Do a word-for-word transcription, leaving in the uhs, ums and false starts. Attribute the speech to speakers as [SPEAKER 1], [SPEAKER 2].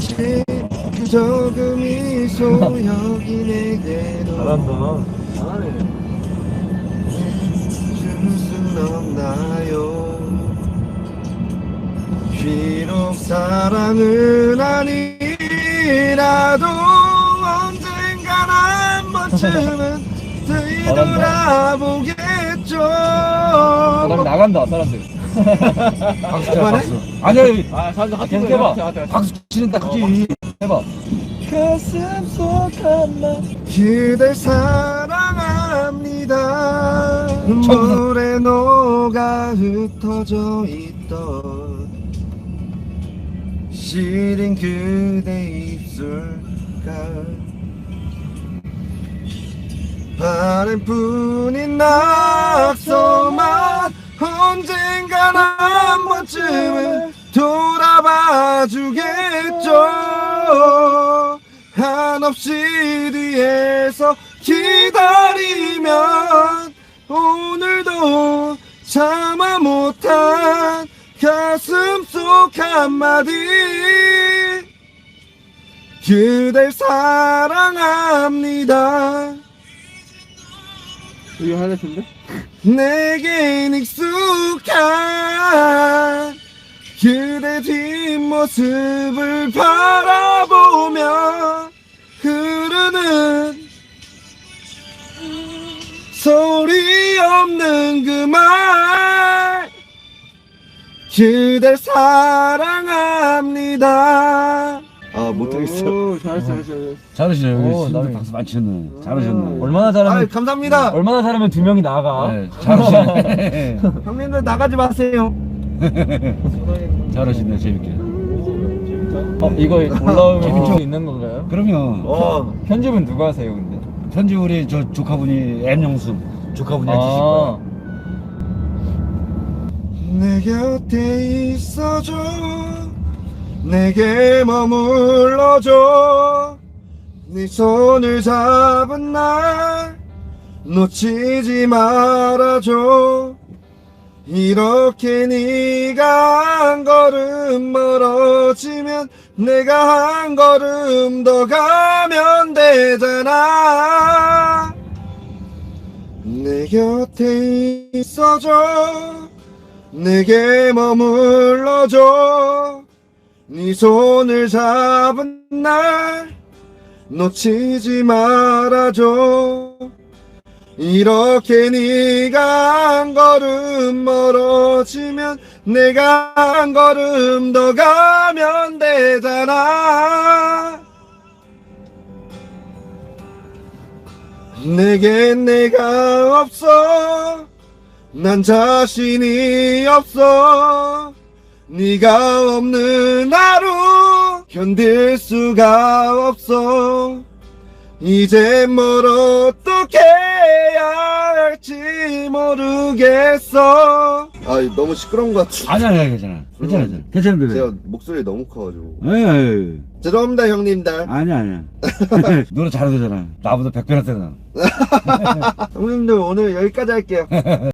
[SPEAKER 1] 없이 조금이 소용이 내게로
[SPEAKER 2] 잘한다. 잘하네.
[SPEAKER 1] 줄 순 없나요? 비록 사랑은 아니라도 언젠간 한 번쯤은 되돌아보겠죠.
[SPEAKER 3] 사람 나간다 사람들.
[SPEAKER 2] 박수 쳐,
[SPEAKER 1] 그만해?
[SPEAKER 2] 박수. 아니야,
[SPEAKER 3] 아 사람들
[SPEAKER 2] 아, 계속 해봐. 박수 치는 딱지. 해봐.
[SPEAKER 3] 가슴 속 한마
[SPEAKER 1] 그댈 사랑합니다. 물에 녹아 흩어져 있던 시린 그대 입술깔 바람뿐인 낙서만 언젠간 한 번쯤은 돌아봐 주겠죠. 한없이 뒤에서 기다리면 오늘도 참아 못한 가슴 속 한마디 그댈 사랑합니다.
[SPEAKER 3] 이거 하나인데?
[SPEAKER 1] 내겐 익숙한 그대 뒷모습을 바라보며 흐르는 소리 없는 그 말 그댈 사랑합니다. 아 못하겠어.
[SPEAKER 3] 오 잘했어 잘했어.
[SPEAKER 2] 잘하시네.
[SPEAKER 3] 오,
[SPEAKER 2] 여기
[SPEAKER 3] 나는-
[SPEAKER 2] 친구들 박수 많이 쳤네. 잘하셨네.
[SPEAKER 3] 얼마나
[SPEAKER 1] 아
[SPEAKER 3] 잘하면
[SPEAKER 1] 감사합니다.
[SPEAKER 3] 얼마나 잘하면 두 명이 나가.
[SPEAKER 2] 네, 잘하시네.
[SPEAKER 1] 형님들 나가지 마세요.
[SPEAKER 2] 잘하시네, 재밌게.
[SPEAKER 3] 어 이거 올라오면
[SPEAKER 2] 재밌죠?
[SPEAKER 3] 재밌 있는 건가요?
[SPEAKER 2] 그럼요.
[SPEAKER 1] 어.
[SPEAKER 3] 편집은 누가 하세요 근데?
[SPEAKER 2] 편지 우리 저 조카분이 엠영수 조카분이 해주실
[SPEAKER 3] 아
[SPEAKER 2] 거야.
[SPEAKER 1] 내 곁에 있어줘 내게 머물러줘 네 손을 잡은 날 놓치지 말아줘 이렇게 네가 한 걸음 멀어지면 내가 한 걸음 더 가면 되잖아 내 곁에 있어줘 내게 머물러줘 네 손을 잡은 날 놓치지 말아줘 이렇게 네가 한 걸음 멀어지면 내가 한 걸음 더 가면 되잖아 내겐 내가 없어 난 자신이 없어 네가 없는 하루 견딜 수가 없어 이제 뭘 어떻게 해야 할지 모르겠어 아 너무 시끄러운 것 같아
[SPEAKER 2] 아니, 아니, 아니, 괜찮아. 괜찮아, 괜찮아. 괜찮은데.
[SPEAKER 1] 제가 목소리 너무 커가지고
[SPEAKER 2] 예,
[SPEAKER 1] 죄송합니다 형님들
[SPEAKER 2] 아니, 아니야. 노래 잘하잖아. 나보다 백 배나 세잖아.
[SPEAKER 1] 형님들 오늘 여기까지 할게요